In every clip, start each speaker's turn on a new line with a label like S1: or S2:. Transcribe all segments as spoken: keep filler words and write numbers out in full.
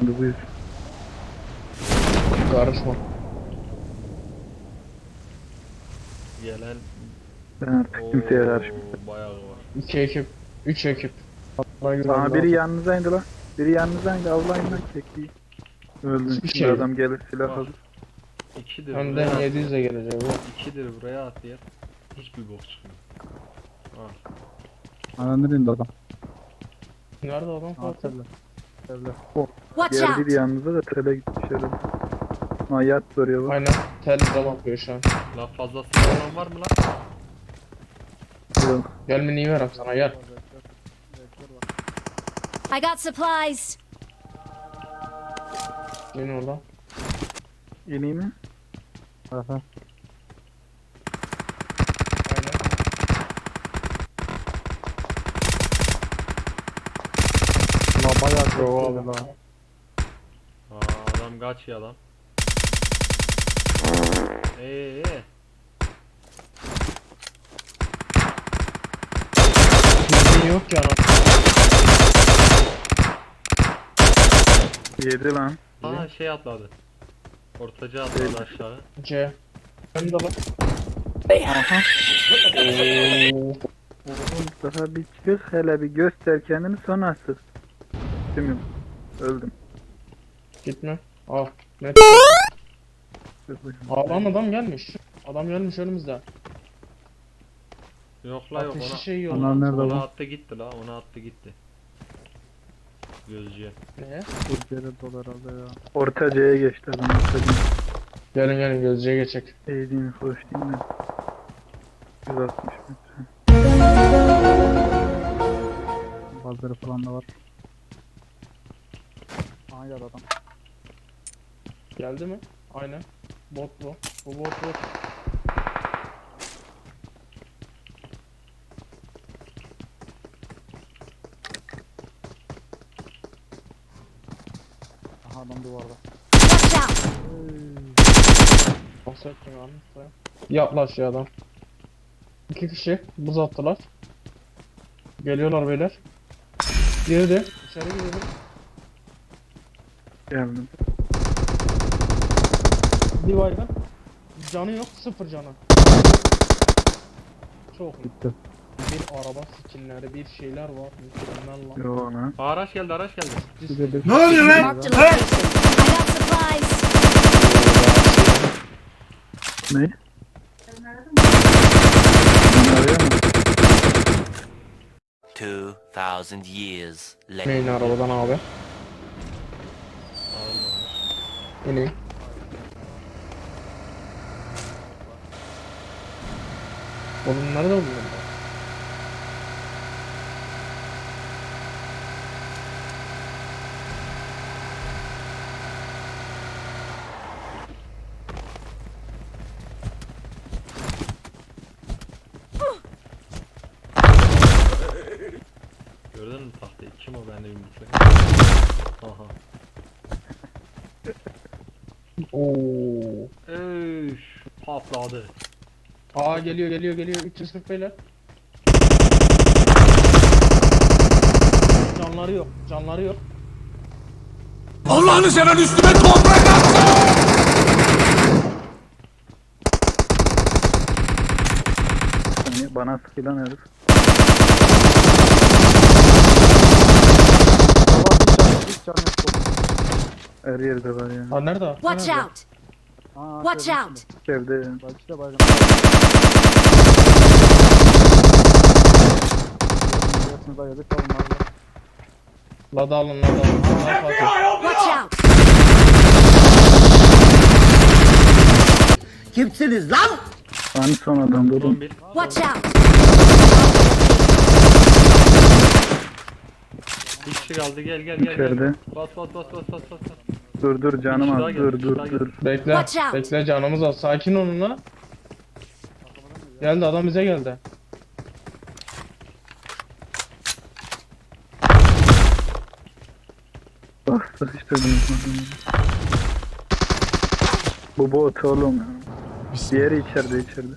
S1: Hadi buyur.
S2: Karışma.
S3: Gelen
S1: Ben artık kimseye karışmıyorum.
S3: Oo, bayağı var.
S2: İki ekip. Üç ekip. Bana göre
S1: Aa, biri
S2: lazım.
S1: yanınıza indi lan. Biri yanınıza indi. Avlayın lan kekliği. Öldün.
S2: Hiçbir
S1: Şimdi
S2: şey yok.
S1: adam gelir silah
S3: Var.
S1: alır.
S3: İkidir
S2: Hem
S3: buraya
S2: de yedi yüze
S3: atlayar.
S2: gelecek bu.
S3: İkidir buraya atlayar. Hiçbir bok çıkmıyor. Ha.
S4: Ananı indi adam.
S2: Nerede adam Fatih?
S4: Aferin. Evler.
S5: Watch
S1: Diğer
S5: out!
S1: biri yanınıza da tele gitmiş herhalde. Aa, yat soruyor bak.
S2: Aynen. Tel bize bakıyor şu an.
S3: Lan fazla sıkılan var mı lan?
S1: Yok.
S2: Gel mini verem sana gel.
S5: I got supplies!
S2: Yine orada.
S1: İneyim mi?
S4: Aha.
S2: Aynen.
S4: La bayağı
S2: Bravo
S4: kötü
S2: abi.
S4: la.
S3: Aa, adam kaçıyor lan. Eee ee.
S2: Mini yok ya lan.
S1: Yedi lan.
S3: Aa şey atladı. Ortaca atladı aşağı.
S2: C. Önde lan.
S1: Aha.
S2: Oo.
S1: Oğlum daha bir çık hele bir göster kendini sonra sık. Değil öldüm.
S2: Gitme. Al. Net.
S1: Sık bakayım.
S2: Aa lan adam gelmiş. Adam gelmiş önümüzde.
S3: Yok la yok
S2: Ateşi
S3: ona.
S2: şey yiyor.
S4: Onlar
S2: lan.
S4: nerede
S3: Ona
S4: lan?
S3: attı gitti la, ona attı gitti. Gözcüye.
S2: Ne?
S4: Türkiye'de dolar herhalde ya.
S1: Orta C'ye geçti adam. Orta C.
S2: Gelin gelin gözcüye geçecek.
S1: Eğdiğini hoş değil mi? yüz altmış metre.
S4: Bazıları falan da var. Aha geldi adam.
S2: Geldi mi? Aynen. Bot bu. Bu bot bot.
S4: Aha adam duvarda.
S5: Watch out!
S2: Bahsettim abi. Yaklaş ya adam. İki kişi buz attılar. Geliyorlar beyler. Girdi. İçeri girdi.
S1: Geldim.
S2: Bir baygın. Canı yok. Sıfır canı. Çok iyi.
S4: Gitti.
S2: Bir araba skinleri, bir şeyler var. Mükemmel lan.
S1: Yo ona.
S3: Aa, araç geldi araç geldi.
S4: Bir de bir-
S5: Marked a location. I got supplies!
S1: Ne? Arıyor mu?
S6: Two thousand years later.
S2: Neyin arabadan abi?
S3: Almamış.
S2: İneyim. Oğlum nerede buldun?
S3: Gördün mü tahtayı? Kim o bende yumrukla? Aha.
S2: Oo.
S3: Üf, patladı.
S2: Aa geliyor geliyor geliyor. üç yüz kırk beyler. Canları yok. Canları yok.
S7: Allah'ını seven üstüme toprak at!
S1: Hani bana sıkılan herif.
S4: Baba hiç canı hiç canı yok.
S1: Her yerde var ya.
S2: Ha nerede? Ha,
S5: Watch
S2: nerede?
S5: out!
S4: Aa,
S5: Watch
S4: şöyle
S5: out!
S1: Evde ya.
S4: Bak işte baygın. Birisini daha yedik oğlum abi.
S2: Lada alın lada alın. Ha, Fatih.
S5: Watch out!
S7: Kimsiniz lan?
S1: Hani son adam
S3: Son
S1: dedim.
S3: bir.
S5: Watch out!
S3: Bir kişi kaldı gel gel gel.
S1: İçeride.
S3: gel. Bas bas bas bas bas bas. bas.
S1: Dur dur canım
S3: Bir kişi
S1: az.
S3: daha
S1: Dur
S3: geldi, bir
S1: dur
S3: kişi daha
S1: dur.
S2: Bekle.
S5: Watch out.
S2: Bekle canımız az. Sakin olun la. Geldi adam bize geldi.
S1: Bak sıkıştırdınız mı? Bu bot oğlum ya. Diğeri içeride içeride.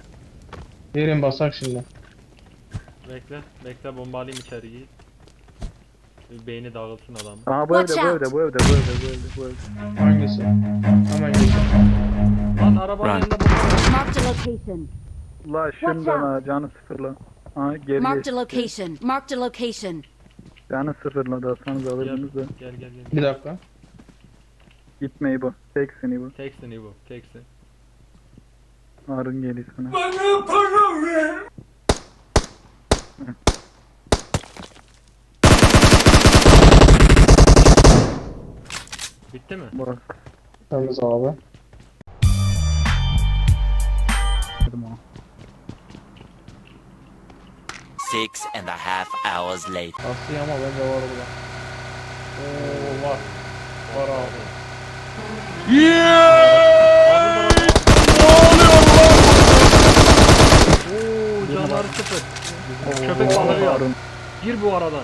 S2: Yerin basak şimdi.
S3: Bekle bekle bombalayayım içeriği. Bir beyni dağılsın adamın.
S1: Aha bu evde
S5: Watch
S1: bu
S5: out.
S1: evde bu evde bu evde bu evde bu evde.
S2: Hangisi? Hemen geç.
S3: Lan arabanın
S6: Run.
S3: yanında bu.
S5: Marked a location.
S1: La şundan ha canı sıfırla. Aha geri
S5: Marked
S1: geçti.
S5: a location. Marked a location.
S1: Canı sıfırladı atsanız alırdınız da.
S3: Gel gel gel.
S2: Bir dakika.
S1: Gitmeyi bu. Teksin bu.
S3: Teksin İbo. Teksin.
S1: Harun geliyor sana.
S3: Bitti mi?
S1: Bak.
S2: Temiz abi.
S4: Dedim ona.
S6: Six and a half hours later.
S2: Aslında ama bence var burada. Oo var. Var abi.
S3: Oo canları sıfır. Köpek balığı ya.
S1: Harun.
S3: Gir bu aradan.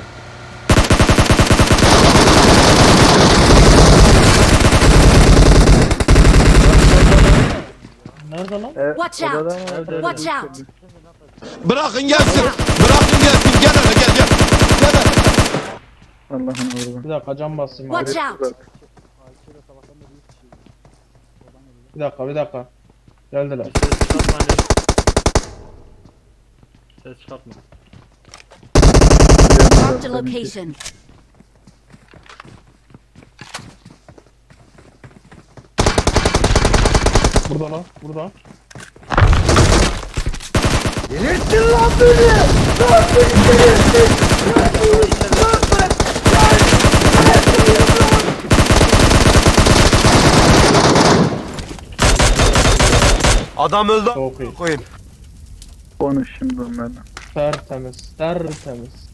S2: Nerede lan?
S1: E,
S5: Watch out.
S1: odada mı?
S3: Evde, evde.
S5: Watch out.
S7: Bırakın gelsin. Bırakın gelsin. Gel hele gel gel. Gel hele.
S1: Allah'ın uğurlu.
S2: Bir dakika cam basayım abi.
S5: Watch out.
S4: Ayşe'yle sabahtan beri üç kişiydi. Oradan geliyor.
S2: Bir dakika bir dakika. Geldiler.
S3: Ses çıkartma anne. Ses çıkartma.
S5: Marked a location.
S2: Burada lan. Burada.
S7: Delirttin lan beni. Lan beni delirttin. Adam öldü.
S2: Çok iyi.
S7: Koyayım.
S1: Konuş şimdi onlarla.
S2: Tertemiz. Tertemiz.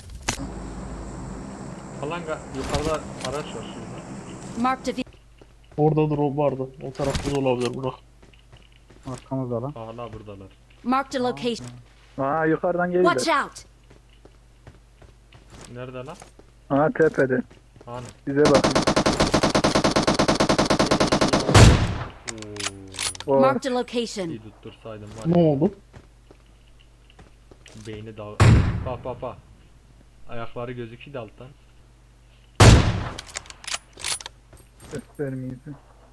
S3: Falan ga- yukarıda araç var şurada.
S5: Marked a ve-
S2: Orada drop vardı. O tarafta da olabilir bırak.
S4: Arkamızda lan.
S3: Hala buradalar.
S5: Marked a location.
S1: Aa yukarıdan
S5: Watch
S1: geliyor.
S5: out.
S3: Nerede lan?
S1: Aha tepede.
S3: Hani?
S1: Bize bakın.
S3: Oo.
S1: O
S5: Marked a location.
S3: İyi tuttursaydım var
S2: Ne
S3: ya.
S2: oldu?
S3: Beyni dağ... Bak bak bak. Ayakları gözüküyor da alttan.
S1: göstermeyiz.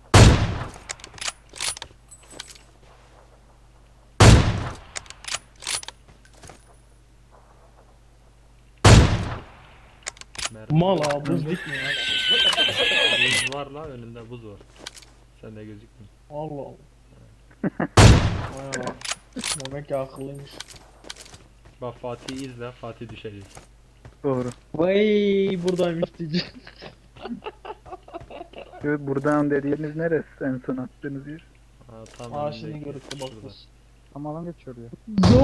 S3: Mermi.
S2: Mal abi buz dikmiyor ya.
S3: Buz var la önünde buz var. Sen de gözükmüyor.
S2: Allah Allah. Vay Allah. Demek ki akıllıymış.
S3: Bak Fatih'i izle, Fatih düşecek.
S1: Doğru.
S2: Vay buradaymış diyeceğim.
S1: Şu buradan dediğiniz neresi en son attığınız yer?
S3: Ha, tam
S2: Aa
S3: önündeki,
S2: şimdi görüktü
S3: şurada.
S2: bakıyoruz.
S4: Tam alan geçiyor ya.
S2: Yok.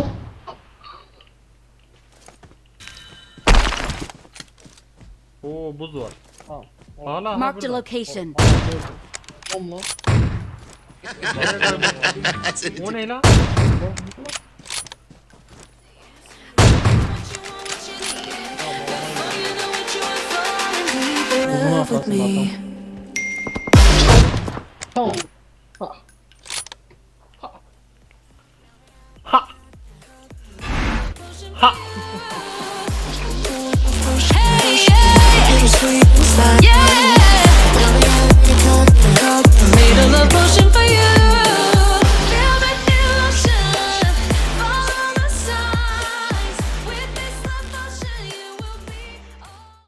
S3: Oo buz var.
S2: Tamam.
S3: Hala ha
S5: Marked a
S3: burada.
S5: location.
S2: Tamam lan.
S3: Nereye kayboldu? O ne lan?
S2: Uzun arkasında tam. Tamam.
S5: Yeah.